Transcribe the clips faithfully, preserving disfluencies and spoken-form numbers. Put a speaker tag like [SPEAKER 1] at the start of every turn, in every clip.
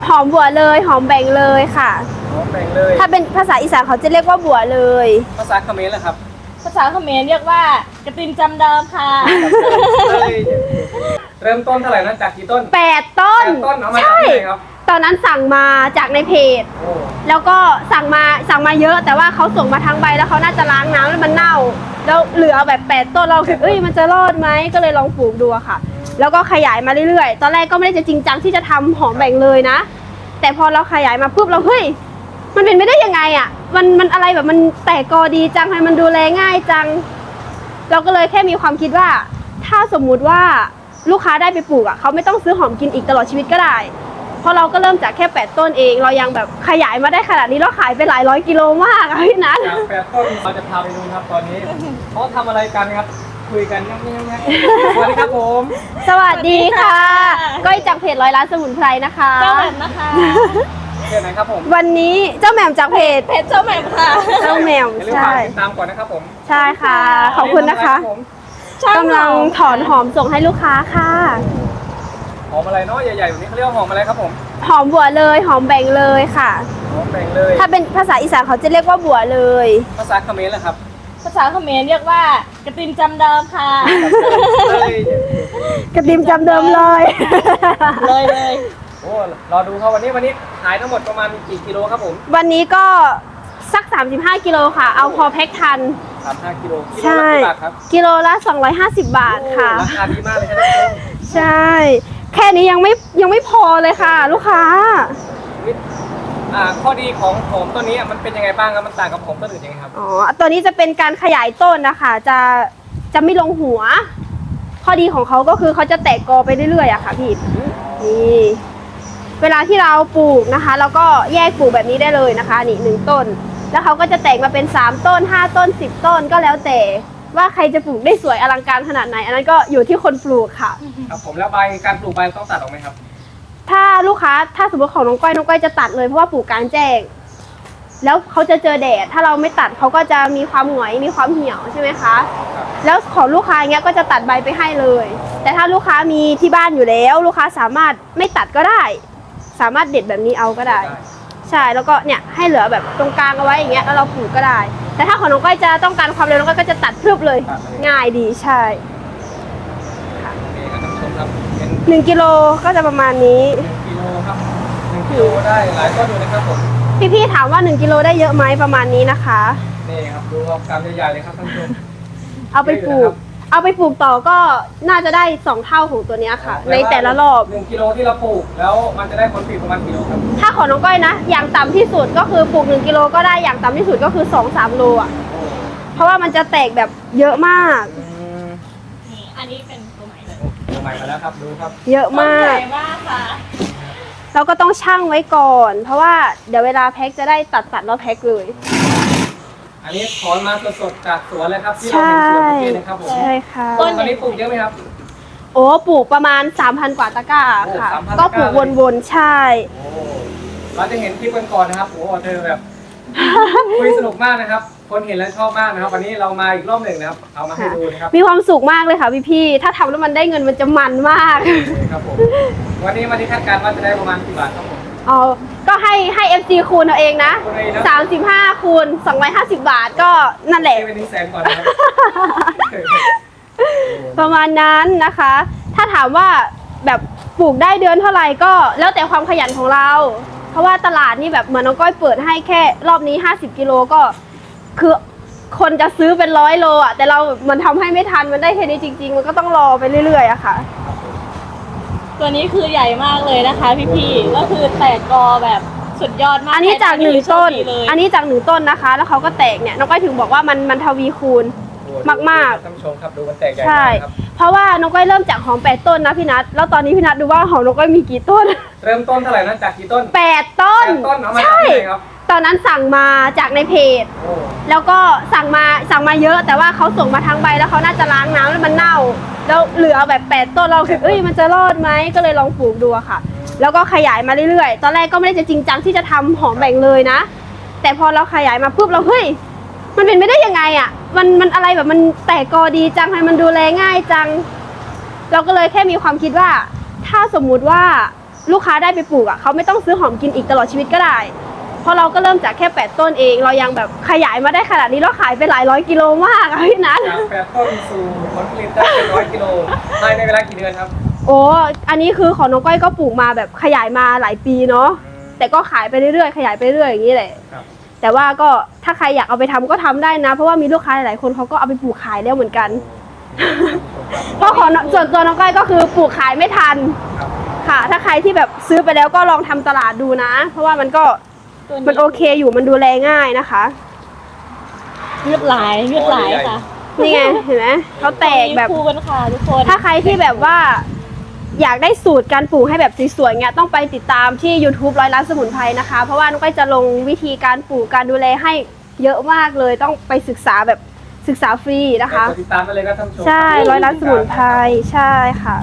[SPEAKER 1] หอมบัวเลยหอมแบ่งเลยค่ะ
[SPEAKER 2] หอมแบ่งเลย
[SPEAKER 1] ถ้าเป็นภาษาอีสานเขาจะเรียกว่าบัวเลย
[SPEAKER 2] ภาษาเขมรเหรอครับ
[SPEAKER 3] ภาษาเขมรเรียกว่ากระตินจำเดิมค่ะ
[SPEAKER 2] เริ่มต้นเท่าไหร่นะจากกี่ต้น
[SPEAKER 1] แปดต้น
[SPEAKER 2] แปดต้นเอามาจากที่ไหนครับ
[SPEAKER 1] ตอนนั้นสั่งมาจากในเพจแล้วก็สั่งมาสั่งมาเยอะแต่ว่าเขาส่งมาทั้งใบแล้วเขาน่าจะล้างน้ำแล้วมันเน่าแล้วเหลือแบบแปดต้นเราคิดเอ้ยมันจะรอดไหมก็เลยลองปลูกดูค่ะแล้วก็ขยายมาเรื่อยๆตอนแรกก็ไม่ได้จะจริงจังที่จะทำหอมแบ่งเลยนะแต่พอเราขยายมาปุ๊บเราเฮ้ยมันเป็นไม่ได้ยังไงอ่ะมันมันอะไรแบบมันแตกกอดีจังให้มันดูแลง่ายจังเราก็เลยแค่มีความคิดว่าถ้าสมมุติว่าลูกค้าได้ไปปลูกอ่ะเขาไม่ต้องซื้อหอมกินอีกตลอดชีวิตก็ได้เพราะเราก็เริ่มจากแค่แปดต้นเองเรายังแบบขยายมาได้ขนาดนี้เราขายไปหลายร้อยกิโลมากอะพี่นัท
[SPEAKER 2] จากแปดต้นเราจะพาไปดูครับตอนนี้เขาทำอะไรกันครับคุยกันยังไงสวัสดีครับผม
[SPEAKER 1] สวัสดีค่ะก้อยจากเพจร้อยล้านสมุนไพรนะคะ
[SPEAKER 3] เจ้าแหม่มนะคะ
[SPEAKER 2] เพจไหนครับผม
[SPEAKER 1] วันนี้เจ้าแหม่มจากเพจ
[SPEAKER 3] เพจเจ้าแหม่มค่ะ
[SPEAKER 1] เจ้าแหม่ม
[SPEAKER 2] ใช่ติดตามก่อนนะครับผม
[SPEAKER 1] ใช่ค่ะขอบคุณนะคะกำลังถอนหอมส่งให้ลูกค้าค่ะ
[SPEAKER 2] หอมอะไรเนาะใหญ่ๆแบบนี้เขาเรียกว่าหอมอะไรครับผม
[SPEAKER 1] หอมบัวเลยหอมแบ่งเลยค่ะ
[SPEAKER 2] หอมแบ่งเลย
[SPEAKER 1] ถ้าเป็นภาษาอีสานเขาจะเรียกว่าบัวเลย
[SPEAKER 2] ภาษาเขมรเหรอครับ
[SPEAKER 3] ภาษาเขมรเรียกว่ากระตินจำเดิมค่ะ
[SPEAKER 1] กระติมจำเดิมเลย
[SPEAKER 3] เลยเลย
[SPEAKER 2] โอ้รอดูครับวันนี้วันนี้ขายทั้งหมดประมาณกี่กิโลครับผม
[SPEAKER 1] วันนี้ก็สักสามสิบห้ากิโลค่ะเอาพอแพ็คทัน
[SPEAKER 2] สามสิบห้ากิโล
[SPEAKER 1] ใช่กิโลละสองร้อยห้าสิบบาทค่ะ
[SPEAKER 2] ราคาดีมากเลยครับ
[SPEAKER 1] ใช่แค่นี้ยังไม่ยังไม่พอเลยค่ะลูกค้า
[SPEAKER 2] อ่าข้อดีของหอมตัวนี้มันเป็นยังไงบ้างครับมันต่างกับหอมต้นอื่นยังไงครับ
[SPEAKER 1] อ๋อตัวนี้จะเป็นการขยายต้นนะคะจะจะไม่ลงหัวข้อดีของเขาก็คือเขาจะแตกกอไปเรื่อยๆอะค่ะพี่นี่เวลาที่เราปลูกนะคะเราก็แยกปลูกแบบนี้ได้เลยนะคะนี่หนึ่งต้นแล้วเขาก็จะแตกมาเป็นสามต้นห้าต้นสิบต้นก็แล้วแต่ว่าใครจะปลูกได้สวยอลังการขนาดไหนอันนั้นก็อยู่ที่คนปลูกค่ะ
[SPEAKER 2] ครับผมแล้วใบการปลูกใบต้องตัดออกไหมครับ
[SPEAKER 1] ถ้าลูกค้าถ้าสมมติของน้องก้อยน้องก้อยจะตัดเลยเพราะว่าปลูกกลางแจ้งแล้วเขาจะเจอแดดถ้าเราไม่ตัดเขาก็จะมีความหงอยมีความเหี่ยวใช่ไหมคะแล้วของลูกค้าเงี้ยก็จะตัดใบไปให้เลยแต่ถ้าลูกค้ามีที่บ้านอยู่แล้วลูกค้าสามารถไม่ตัดก็ได้สามารถเด็ดแบบนี้เอาก็ได้ใช่แล้วก็เนี่ยให้เหลือแบบตรงกลางเอาไว้อย่างเงี้ยแล้วเราปลูกก็ได้แต่ถ้าของน้องก้อยจะต้องการความเร็วน้องก้อยก็จะตัดพรึบเลยง่ายดีใช่หนึ่งกิโลก็จะประมาณนี้
[SPEAKER 2] กิโลครับหนึ่งกิโลได้หลายต้นอยู่นะครับผม
[SPEAKER 1] พี่ๆถามว่าหนึ่งกิโลได้เยอะไหมประมาณนี้นะคะ
[SPEAKER 2] นี่ครับดูครับกำใหญ่ๆเลยครับท่านผู้ชม
[SPEAKER 1] เอาไปปลูกเอาไปปลูกต่อก็น่าจะได้สองเท่าของตัวนี้ค่ะในแต่ละรอบ
[SPEAKER 2] หนึ่งกิโลที่เราปลูกแล้วมันจะได้ผลผลิตประมาณกิโลครับ
[SPEAKER 1] ถ้าของน้องก้อยนะอย่างต่ำที่สุดก็คือปลูกหนึ่งกิโลก็ได้อย่างต่ำที่สุดก็คือสองสามโลอ่ะเพราะว่ามันจะแตกแบบเยอะมาก
[SPEAKER 3] นี่อันนี้เป็นตัวใหม่เลย
[SPEAKER 2] ตัวใหม่มาแล้วครับดูครับ
[SPEAKER 1] เยอะมาก
[SPEAKER 3] ใหญ่มากค่ะ
[SPEAKER 1] เราก็ต้องชั่งไว้ก่อนเพราะว่าเดี๋ยวเวลาแพ็คจะได้ตัดตัดแล้วแพ็คเลย
[SPEAKER 2] อันนี้ถอนมาสดๆจากสวนเลยครับที่เราเห็นสวนเมื่อกี้นะครับผม
[SPEAKER 1] ใช่ค่ะ
[SPEAKER 2] ต้นนี้ปลูกเยอะไหมครับ
[SPEAKER 1] โอ้ปลูกประมาณ สามพัน กว่าตะกร้าค่ะก็ปลูกวนๆใช่
[SPEAKER 2] เราจะเห็นคลิปกันก่อนนะครับโอ้เธอแบบคุยสนุกมากนะครับคนเห็นแล้วชอบมากนะครับวันนี้เรามาอีกรอบหนึ่งนะครับเอามาให้ดูนะครับ
[SPEAKER 1] มีความสุขมากเลยค่ะพี่ๆถ้าทำแล้วมันได้เงินมันจะมันมาก
[SPEAKER 2] ครับผมวันนี้วันที่คาดการณ์ว่าจะได้ประมาณกี่บาทครับผม
[SPEAKER 1] อ๋อก็ให้ให้ เอฟ ซี คูณเอาเองนะสามสิบห้าคูณสองร้อยห้าสิบบาทก็นั่นแหละ
[SPEAKER 2] เป็นหนึ่งแสนก่อนนะครับ
[SPEAKER 1] ประมาณนั้นนะคะถ้าถามว่าแบบปลูกได้เดือนเท่าไหร่ก็แล้วแต่ความขยันของเราเพราะว่าตลาดนี่แบบเหมือนน้องก้อยเปิดให้แค่รอบนี้ห้าสิบกิโลก็คือคนจะซื้อเป็นร้อยโลอ่ะแต่เรามันทำให้ไม่ทันมันได้แค่นี้จริงๆมันก็ต้องรอไปเรื่อยๆอะค่ะ
[SPEAKER 3] ตัวนี้คือใหญ่มากเลยนะคะพี่ๆก็คือแตกกอแบบสุดยอดมาก
[SPEAKER 1] อันนี้จากหนึ่งต้นอันนี้จากหนึ่งต้นนะคะแล้วเขาก็แตกเนี่ยน้องก้อยถึงบอกว่ามันมันทวีคูณมาก
[SPEAKER 2] ๆท่านผู้ชมครับดูมันแตกใหญ่
[SPEAKER 1] ใช่เพราะว่าน้องก้อยเริ่มจากหอมแปดต้นนะพี่นัทแล้วตอนนี้พี่นัทดูว่าหอมน้องก้อยมีกี่ต้น
[SPEAKER 2] เริ่มต้นเท่าไหร่นะจากกี่ต้น
[SPEAKER 1] แปดต้น
[SPEAKER 2] ใช่
[SPEAKER 1] ตอนนั้นสั่งมาจากในเพจแล้วก็สั่งมาสั่งมาเยอะแต่ว่าเขาส่งมาทั้งใบแล้วเขาน่าจะล้างน้ำแล้วมันเน่าแล้วเหลือแบบแปดต้นเราคิดเอ้ยมันจะรอดไหมก็เลยลองปลูกดูค่ะแล้วก็ขยายมาเรื่อยๆตอนแรกก็ไม่ได้จะจริงจังที่จะทำหอมแบ่งเลยนะแต่พอเราขยายมาปุ๊บเราเฮ้ยมันเป็นไม่ได้ยังไงอ่ะมันมันอะไรแบบมันแตกกอดีจังให้มันดูแลง่ายจังเราก็เลยแค่มีความคิดว่าถ้าสมมุติว่าลูกค้าได้ไปปลูกอ่ะเขาไม่ต้องซื้อหอมกินอีกตลอดชีวิตก็ได้เพราะเราก็เริ่มจากแค่แปดต้นเองเรายังแบบขยายมาได้ขนาดนี้เราขายไปหลายร้อยกิโลมากอะพี่นัท
[SPEAKER 2] จากแปดต้นสู่ผลผลิตได้เป็นร้อยกิโลภายในเวลากี่เดือนครับ
[SPEAKER 1] โอ้อันนี้คือของน้องก้อยก็ปลูกมาแบบขยายมาหลายปีเนาะแต่ก็ขายไปเรื่อยๆขยายไปเรื่อยอย่างนี้แหละ
[SPEAKER 2] ครับ
[SPEAKER 1] แต่ว่าก็ถ้าใครอยากเอาไปทำก็ทำได้นะ เพราะว่ามีลูกค้าหลายๆคนเขาก็เอาไปปลูกขายแล้วเหมือนกัน เพราะของส่วนตัวน้องก้อยก็คือปลูกขายไม่ทัน
[SPEAKER 2] ครับ
[SPEAKER 1] ค่ะ ถ้าใครที่แบบซื้อไปแล้วก็ลองทำตลาดดูนะ เพราะว่ามันก็
[SPEAKER 3] ตัว
[SPEAKER 1] มันโอเคอยู่มันดูแลง่ายนะคะ
[SPEAKER 3] เลือดหลายเลือดหลายค่ะ
[SPEAKER 1] นี่ไงเห็นไหมเขาแตกแบบ
[SPEAKER 3] มีคู่กันค่ะทุกคน
[SPEAKER 1] ถ้าใครที่แบบว่าอยากได้สูตรการปลูกให้แบบสวยๆเงี้ยต้องไปติดตามที่ YouTube ร้อยล้านสมุนไพรนะคะ เพราะว่าน้องก้อยจะลงวิธีการปลูกการดูแลให้เยอะมากเลยต้องไปศึกษาแบบศึกษาฟรีนะคะ
[SPEAKER 2] กดติดตามไปเลยครับท่านผู้ชม
[SPEAKER 1] ใช่ร้อยล้านสมุนไพรใช่ค่ะ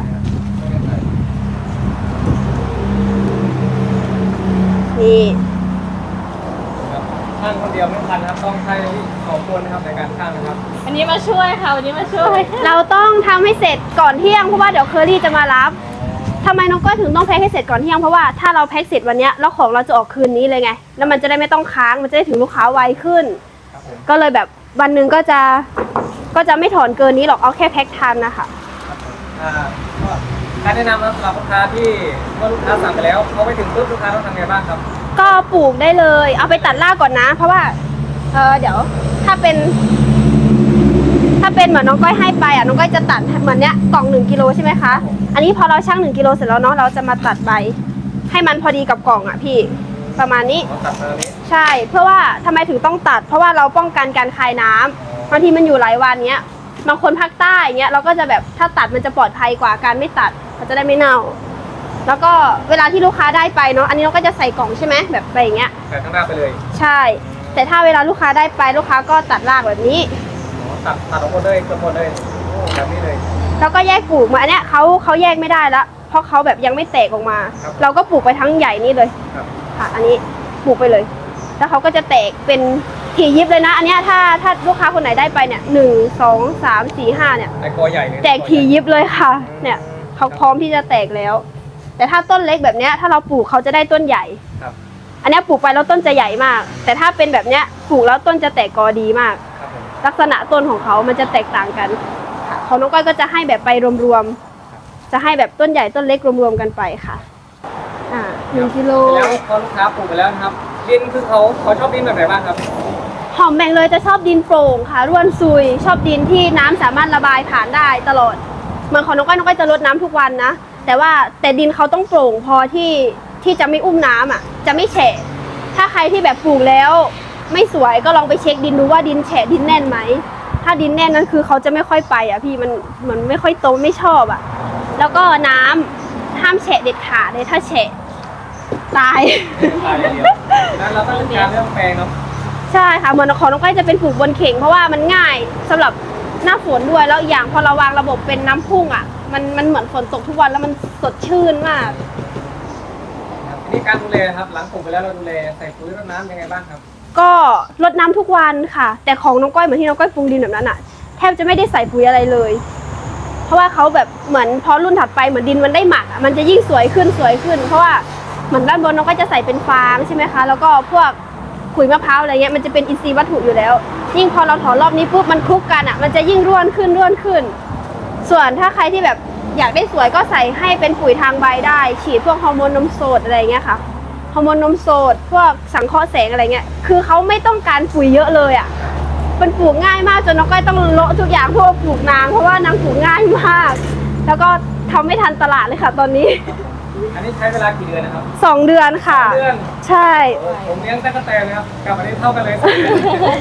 [SPEAKER 1] นี่
[SPEAKER 2] ครับช่างคนเดียวไม่ทันนะครับต้องใช้สองคนนะครับในการช่างนะครับ
[SPEAKER 3] อันนี้มาช่วยค่ะวันนี้มาช่วย
[SPEAKER 1] เราต้องทำให้เสร็จก่อนเที่ยงเพราะว่าเดี๋ยวเคอรี่จะมารับทำไมน้องก้อยถึงต้องแพ็คให้เสร็จก่อนเที่ยงเพราะว่าถ้าเราแพ็คเสร็จวันเนี้ยแล้วของเราจะออกคืนนี้เลยไงแล้วมันจะได้ไม่ต้องค้างมันจะได้ถึงลูกค้าไวขึ้น
[SPEAKER 2] ครับผม
[SPEAKER 1] ก็เลยแบบวันหนึ่งก็จะก็จะไม่ถอนเกินนี้หรอกเอาแค่แพ็คทันนะคะ
[SPEAKER 2] ครับผมอ่าก็การแนะนำนะครับสำหรับลูกค้าที่เมื่อลูกค้าสั่งไปแล้วเขาไปถึงปุ๊บลูกค้าต้องทำไงบ้างครับ
[SPEAKER 1] ก็ปลูกได้เลยเอาไปตัดรากก่อนนะ เพราะว่าเออเดี๋ยวถ้าเป็น ถ้าเป็นเหมือนน้องก้อยให้ไปอ่ะน้องก้อยจะตัดเหมือนเนี้ยกล่องหนึ่งกิโลใช่ไหมคะอันนี้พอเราชั่งหนึ่งกิโลเสร็จแล้วเนาะเราจะมาตัดใบให้มันพอดีกับกล่องอ่ะพี่ประมาณนี้
[SPEAKER 2] เราตัดมาตรงนี้
[SPEAKER 1] ใช่เพื่อว่าทำไมถึงต้องตัด เพราะว่าเราป้องกันการคายน้ำบางทีมันอยู่หลายวันเนี้ยบางคนภาคใต้เนี้ยเราก็จะแบบถ้าตัดมันจะปลอดภัยกว่าการไม่ตัดมันจะได้ไม่เน่า แล้วก็เวลาที่ลูกค้าได้ไปเนาะอันนี้เราก็จะใส่กล่องใช่ไหมแบบไปอย่างเงี้ย
[SPEAKER 2] แต่ข้างหน้าไปเลย
[SPEAKER 1] ใช่ แต่ถ้าเวลาลูกค้าได้ไปลูกค้าก็ตัดรากแบบนี้
[SPEAKER 2] อ๋อตัดตัดออกหมดเลยเกือบหมดเลยโอ้แบบนี้เลย
[SPEAKER 1] แล้วก็แยกปลูกมาอันเนี้ยเขาเขาแยกไม่ได้ละเพราะเขาแบบยังไม่แตกออกมา
[SPEAKER 2] ครับ
[SPEAKER 1] เราก็ปลูกไปทั้งใหญ่นี่เลย
[SPEAKER 2] ครับ
[SPEAKER 1] ค่ะ อันนี้ปลูกไปเลย แล้วเขาก็จะแตกเป็นถี่ยิบเลยนะ อันเนี้ยถ้าถ้าลูกค้าคนไหนได้ไปเนี่ยหนึ่งสองสามสี่ห้าเนี่ย
[SPEAKER 2] ไอ้กอใหญ่เลย
[SPEAKER 1] แตกถี่ยิบเลยค่ะ เนี่ยเขาพร้อมที่จะแตกแล้ว แต่ถ้าต้นเล็กแบบเนี้ยถ้าเราปลูกเขาจะได้ต้นใหญ่
[SPEAKER 2] ครับ
[SPEAKER 1] อันเนี้ยปลูกไปแล้วต้นจะใหญ่มาก แต่ถ้าเป็นแบบเนี้ยปลูกแล้วต้นจะแตกกอดีมาก
[SPEAKER 2] ครับผม
[SPEAKER 1] ลักษณะต้นของเขามันจะแตกต่างกันค่ะของน้องก้อยก็จะให้แบบไปรวมๆ จะให้แบบต้นใหญ่ต้นเล็กรวมๆกันไปค่ะ อ่าหนึ่งกิโล
[SPEAKER 2] แล้วพอลูกค้าปลูกไปแล้วนะครับดินคือเขาเขาชอบดินแบบไหนบ้างครับ
[SPEAKER 1] หอมแบ่งเลยจะชอบดินโปร่งค่ะร่วนซุย ชอบดินที่น้ำสามารถระบายผ่านได้ตลอดเหมือนของน้องก้อยน้องก้อยจะรดน้ำทุกวันนะ แต่ว่าแต่ดินเขาต้องโปร่งพอที่ที่จะไม่อุ้มน้ำอ่ะ จะไม่แฉะ ถ้าใครที่แบบปลูกแล้ว ไม่สวยก็ลองไปเช็คดินดูว่าดินแฉะดินแน่นไหม ถ้าดินแน่นนั้นคือเขาจะไม่ค่อยไปอ่ะพี่มันเหมือนไม่ค่อยโตไม่ชอบอ่ะ แล้วก็น้ำห้ามแฉะเด็ดขาดเลยถ้าแฉะตาย
[SPEAKER 2] ตายอย่างเดียวนั้นเราต้องจัดการเรื่องแปลงเนาะ
[SPEAKER 1] ใช่ค่ะเหมือนของน้องก้อยจะเป็นปลูกบนเข่งเพราะว่ามันง่ายสำหรับหน้าฝนด้วยแล้วอีกอย่างพอเราวางระบบเป็นน้ำพุ่งอ่ะมันมันเหมือนฝนตกทุกวันแล้วมันสดชื่นมาก
[SPEAKER 2] ครับทีนี้การดูแลครับหลังปลูกไปแล้วเราดูแลใส่ปุ๋ยรดน้ำยังไงบ้างครับ
[SPEAKER 1] ก็รดน้ำทุกวันค่ะ แต่ของน้องก้อยเหมือนที่น้องก้อยปรุงดินแบบนั้นอ่ะแทบจะไม่ได้ใส่ปุ๋ยอะไรเลย เพราะว่าเขาแบบเหมือนพอรุ่นถัดไปเหมือนดินมันได้หมักอะมันจะยิ่งสวยขึ้นสวยขึ้น เพราะว่าเหมือนด้านบนน้องก็จะใส่เป็นฟางใช่ไหมคะแล้วก็พวกขุยมะพร้าวอะไรเงี้ยมันจะเป็นอินทรีย์วัตถุอยู่แล้ว ยิ่งพอเราถอนรอบนี้ปุ๊บมันคลุกกันอ่ะมันจะยิ่งร่วนขึ้นร่วนขึ้น ส่วนถ้าใครที่แบบอยากได้สวยก็ใส่ให้เป็นปุ๋ยทางใบได้ ฉีดพวกฮอร์โมนนมสดอะไรเงี้ยค่ะฮอร์โมนนมสดพวกสังเคราะห์แสงอะไรเงี้ยคือเขาไม่ต้องการปุ๋ยเยอะเลยอ่ะมันปลูกง่ายมากจนน้องก้อยต้องโละทุกอย่างเพื่อปลูกนางเพราะว่านางปลูกง่ายมาก แล้วก็ทำไม่ทันตลาดเลยค่ะ ตอนนี้
[SPEAKER 2] อันนี้ใช้เวลากี่เดือนนะครับ
[SPEAKER 1] สองเดือนค่ะ
[SPEAKER 2] เดือน
[SPEAKER 1] ใช่
[SPEAKER 2] โอ้ผมเลี้ยงตั๊กแตนนะครับกับอันนี้เท่ากันเลยสองเดือน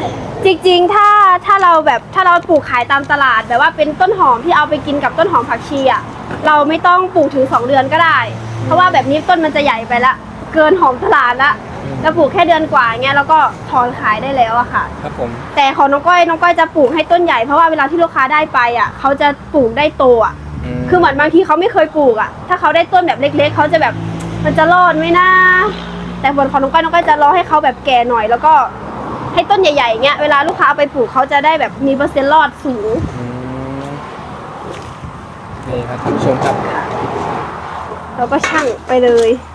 [SPEAKER 1] จริงๆ ถ้าถ้าเราแบบถ้าเราปลูกขายตามตลาดแบบว่าเป็นต้นหอมที่เอาไปกินกับต้นหอมผักชีอ่ะเราไม่ต้องปลูกถึงสองเดือนก็ได้ เพราะว่าแบบนี้ต้นมันจะใหญ่ไปละเกินหอมตลาดละแล้วปลูกแค่เดือนกว่าเงี้ยแล้วก็ถอนขายได้แล้วอะค่ะ
[SPEAKER 2] ครับผม
[SPEAKER 1] แต่ของน้องก้อยน้องก้อยจะปลูกให้ต้นใหญ่เพราะว่าเวลาที่ลูกค้าได้ไปอ่ะเขาจะปลูกได้โตอ่ะคือเหมือนบางทีเขาไม่เคยปลูกอ่ะถ้าเขาได้ต้นแบบเล็กๆเขาจะแบบมันจะรอดไหมนะแต่ผลของน้องก้อยน้องก้อยจะรอให้เขาแบบแก่หน่อย แล้วก็ให้ต้นใหญ่ๆเงี้ยเวลาลูกค้าเอาไปปลูกเขาจะได้แบบมีเปอร์เซ็นต์รอดสูง
[SPEAKER 2] นี่ครับท่านผู้ชมครับ
[SPEAKER 1] เราก็ชั่งไปเลย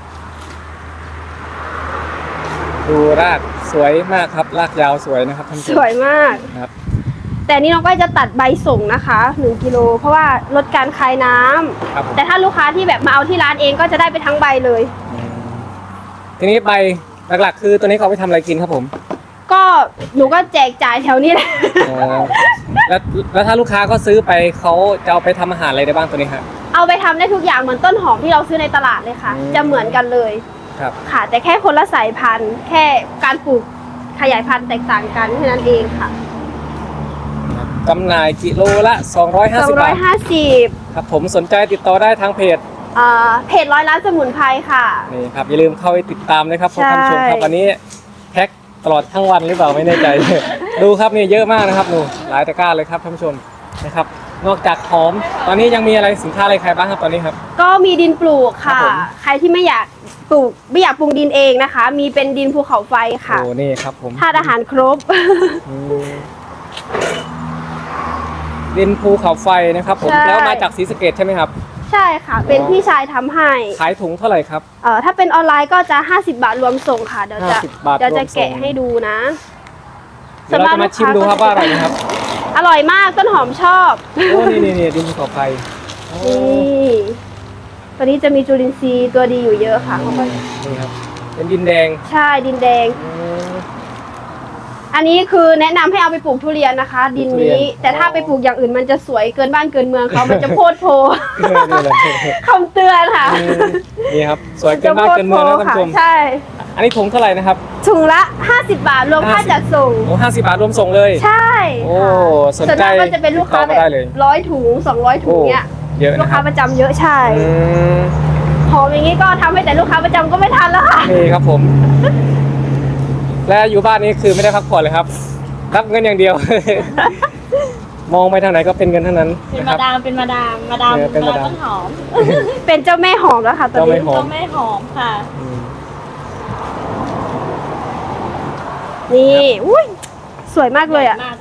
[SPEAKER 2] ดูรากสวยมากครับรากยาวสวยนะครับท่านผู้ช
[SPEAKER 1] ส
[SPEAKER 2] ม
[SPEAKER 1] วยมาก
[SPEAKER 2] นะครับ
[SPEAKER 1] แต่นี่น้องก้อยจะตัดใบส่งนะคะหนึ่งกิโลเพราะว่าลดการคายน้ำ
[SPEAKER 2] ครับผม
[SPEAKER 1] แต่ถ้าลูกค้าที่แบบมาเอาที่ร้านเองก็จะได้ไปทั้งใบเลย
[SPEAKER 2] อืมทีนี้ใบหลักๆ คือตัวนี้เขาเอาไปทำอะไรกินครับผม
[SPEAKER 1] ก็หนูก็แจกจ่ายแถวนี้แหละ
[SPEAKER 2] อ๋อแล้วแล้วถ้าลูกค้าก็ซื้อไปเขาจะเอาไปทำอาหารอะไรได้บ้างตัวนี้ครับ
[SPEAKER 1] เอาไปทำได้ทุกอย่างเหมือนต้นหอมที่เราซื้อในตลาดเลยค่ะ
[SPEAKER 2] อืม
[SPEAKER 1] จะเหมือนกันเลย
[SPEAKER 2] ครับ
[SPEAKER 1] ค่ะ แต่แค่คนละสายพันธุ์ แค่การปลูกขยายพันธุ์แตกต่างกันแค่นั้นเองค่ะ
[SPEAKER 2] จำหน่ายกิโลละสองร้อยห้า
[SPEAKER 1] สอ
[SPEAKER 2] สิ
[SPEAKER 1] ง
[SPEAKER 2] บ
[SPEAKER 1] ร้อบ
[SPEAKER 2] าย ท
[SPEAKER 1] ห้าสิบ
[SPEAKER 2] ครับผมสนใจติดต่อได้ทางเพจ
[SPEAKER 1] เอ่อเพจร้อยล้านสมุนไพรค่ะ
[SPEAKER 2] นี่ครับอย่าลืมเข้าไปติดตามนะครับ
[SPEAKER 1] ใช่
[SPEAKER 2] ท่านผู้ชมครับวันนี้แพ็คตลอดทั้งวันหรือเปล่าไม่แน่ใจ ดูครับนี่เยอะมากนะครับหนูหลายตะกร้าเลยครับท่านผู้ชมนะครับ นอกจากหอมตอนนี้ยังมีอะไรสินค้าอะไรใครบ้างครับตอนนี้ครับ
[SPEAKER 1] ก็มีดินปลูก
[SPEAKER 2] ครั
[SPEAKER 1] ค่ะ
[SPEAKER 2] บผม
[SPEAKER 1] ใครที่ไม่อยากปลูกไม่อยากปรุงดินเองนะคะ มีเป็นดินภูเขาไฟค่ะ
[SPEAKER 2] โอ้นี่ครับผม
[SPEAKER 1] ธาตุอาหารครบ
[SPEAKER 2] อืมดินภูเขาไฟนะครับผม
[SPEAKER 1] ใช่
[SPEAKER 2] แล้วมาจากศรีสะเกษใช่ไหมครับ
[SPEAKER 1] ใช่ค่ะ เป็นพี่ชายทำให้
[SPEAKER 2] ขายถุงเท่าไหร่ครับ
[SPEAKER 1] เอ่อถ้าเป็นออนไลน์ก็จะห้าสิบบาทรวมส่งค่ะ เดี๋ยวจะ
[SPEAKER 2] ห้าสิบบาท
[SPEAKER 1] เดี๋ยวจะ
[SPEAKER 2] รวมส่ง
[SPEAKER 1] แกะให้ดูนะ
[SPEAKER 2] เดี๋ยวเราจะมาชิมดูครับว่าอร่อยไหมครับ
[SPEAKER 1] อร่อยมากต้นหอมชอบ
[SPEAKER 2] โอ้นี่นี่นี่ดินภูเขาไฟโอ้
[SPEAKER 1] นี่ตัวนี้จะมีจุลินทรีย์ตัวดีอยู่เยอะค่ะเขาก็
[SPEAKER 2] นี่ครับเป็นดินแดง
[SPEAKER 1] ใช่ดินแดง
[SPEAKER 2] อืม
[SPEAKER 1] อันนี้คือแนะนำให้เอาไปปลูกทุเรียนนะคะ ดิน
[SPEAKER 2] ทุเรีย
[SPEAKER 1] นี้
[SPEAKER 2] น
[SPEAKER 1] แต่ถ้าไปปลูกอย่างอื่นมันจะสวยเกินบ้านเกินเมืองเขามันจะโพดโพ
[SPEAKER 2] นี่เลย
[SPEAKER 1] คำเตือนค่ะ
[SPEAKER 2] อืมนี่ครับสวยเกินบ้านเกินเมืองนะท่านผู้ชม
[SPEAKER 1] ใช่
[SPEAKER 2] อันนี้ถุงเท่าไหร่นะครับ
[SPEAKER 1] ถุงละห้าสิบบาทรวมค่าจัดส่ง
[SPEAKER 2] โอ้ห้าสิบบาทรวมส่งเลย
[SPEAKER 1] ใช่
[SPEAKER 2] โอ้
[SPEAKER 1] ค่ะ
[SPEAKER 2] สน
[SPEAKER 1] ส่วน
[SPEAKER 2] ใจ
[SPEAKER 1] มากก็จะเป็นลูกค้า
[SPEAKER 2] ติดต่อ
[SPEAKER 1] แบ
[SPEAKER 2] มาได้
[SPEAKER 1] บ
[SPEAKER 2] เลย
[SPEAKER 1] ร้อยถุงสองร้อยถุงเนี้ย
[SPEAKER 2] เยอะ
[SPEAKER 1] ลูก
[SPEAKER 2] นะค
[SPEAKER 1] ค้า
[SPEAKER 2] รับ
[SPEAKER 1] ประจำเยอะใช่
[SPEAKER 2] อืม
[SPEAKER 1] หอมอย่างนี้ก็ทำให้แต่ลูกค้าประจำก็ไม่ทันแล้วค่ะ
[SPEAKER 2] นี่ครับผม และอยู่บ้านนี้คือไม่ได้พักผ่อนเลยครับ รับเงินอย่างเดียว มองไปทางไหนก็เป็นเงินทั้งนั้น
[SPEAKER 3] เป็น
[SPEAKER 2] นะค
[SPEAKER 3] มา
[SPEAKER 2] รับ
[SPEAKER 3] ดามเป็นมาดามมาดาม
[SPEAKER 2] เออเป็นมาดาม
[SPEAKER 3] ต้นหอม
[SPEAKER 1] เป็นเจ้าแม่หอมแล้วค่ะตอน
[SPEAKER 2] เจ้าแม่
[SPEAKER 1] นี้
[SPEAKER 2] หอม
[SPEAKER 3] เจ้าแม่หอมค่ะ
[SPEAKER 2] อืม
[SPEAKER 1] นี่อุ้ยสวยมากเลยอ่ะ
[SPEAKER 3] มาก